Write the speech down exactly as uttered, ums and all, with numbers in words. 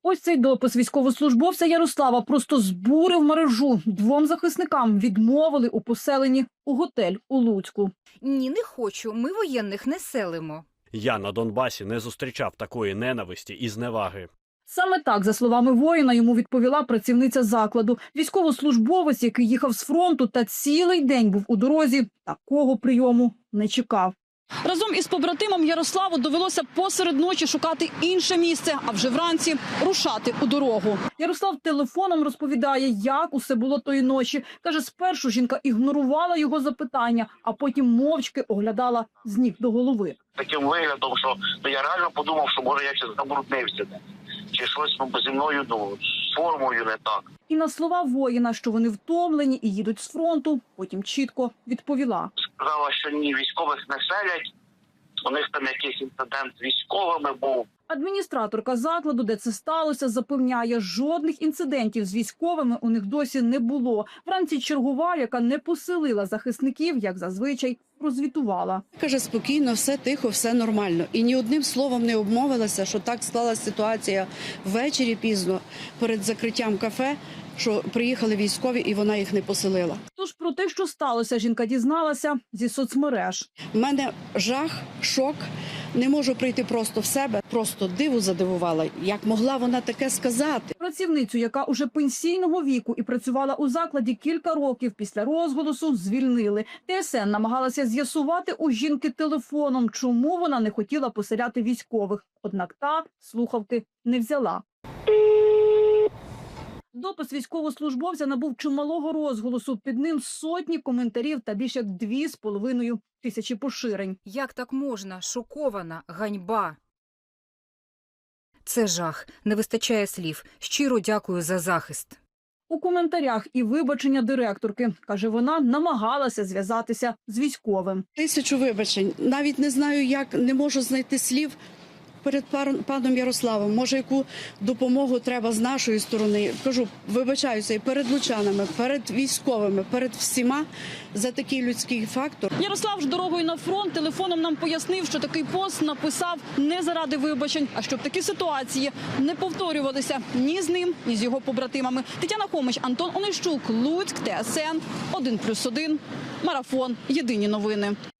Ось цей допис військовослужбовця Ярослава просто збурив мережу. Двом захисникам відмовили у поселенні у готель у Луцьку. Ні, не хочу. Ми воєнних не селимо. Я на Донбасі не зустрічав такої ненависті і зневаги. Саме так, за словами воїна, йому відповіла працівниця закладу. Військовослужбовець, який їхав з фронту та цілий день був у дорозі, такого прийому не чекав. Разом із побратимом Ярославу довелося посеред ночі шукати інше місце, а вже вранці рушати у дорогу. Ярослав телефоном розповідає, як усе було тої ночі. Каже, спершу жінка ігнорувала його запитання, а потім мовчки оглядала з ніг до голови. Таким виглядом, що ну, я реально подумав, що може я щось забруднився, чи щось ну, зі мною, ну, з формою не так. І на слова воїна, що вони втомлені і їдуть з фронту, потім чітко відповіла. Сказала, що ні, військових не селять, у них там якийсь інцидент з військовими був. Адміністраторка закладу, де це сталося, запевняє, жодних інцидентів з військовими у них досі не було. Вранці чергова, яка не поселила захисників, як зазвичай, розвітувала. Каже, спокійно, все тихо, все нормально. І ні одним словом не обмовилася, що так склалася ситуація ввечері пізно, перед закриттям кафе, що приїхали військові і вона їх не поселила. Тож про те, що сталося, жінка дізналася зі соцмереж. У мене жах, шок. Не можу прийти просто в себе, просто диву задивувала. Як могла вона таке сказати? Працівницю, яка уже пенсійного віку і працювала у закладі кілька років після розголосу, звільнили. ТСН намагалася з'ясувати у жінки телефоном, чому вона не хотіла поселяти військових. Однак та слухавки не взяла. Допис військовослужбовця набув чималого розголосу. Під ним сотні коментарів та більше як дві з половиною тисячі поширень. Як так можна? Шокована. Ганьба. Це жах. Не вистачає слів. Щиро дякую за захист. У коментарях і вибачення директорки. Каже, вона намагалася зв'язатися з військовим. Тисячу вибачень. Навіть не знаю, як, не можу знайти слів перед паном Ярославом. Може, яку допомогу треба з нашої сторони. Кажу, вибачаюся і перед лучанами, перед військовими, перед всіма за такий людський фактор. Ярослав ж дорогою на фронт телефоном нам пояснив, що такий пост написав не заради вибачень, а щоб такі ситуації не повторювалися ні з ним, ні з його побратимами. Тетяна Хомич, Антон Онищук, Луцьк, ТСН, один плюс один, Марафон, Єдині новини.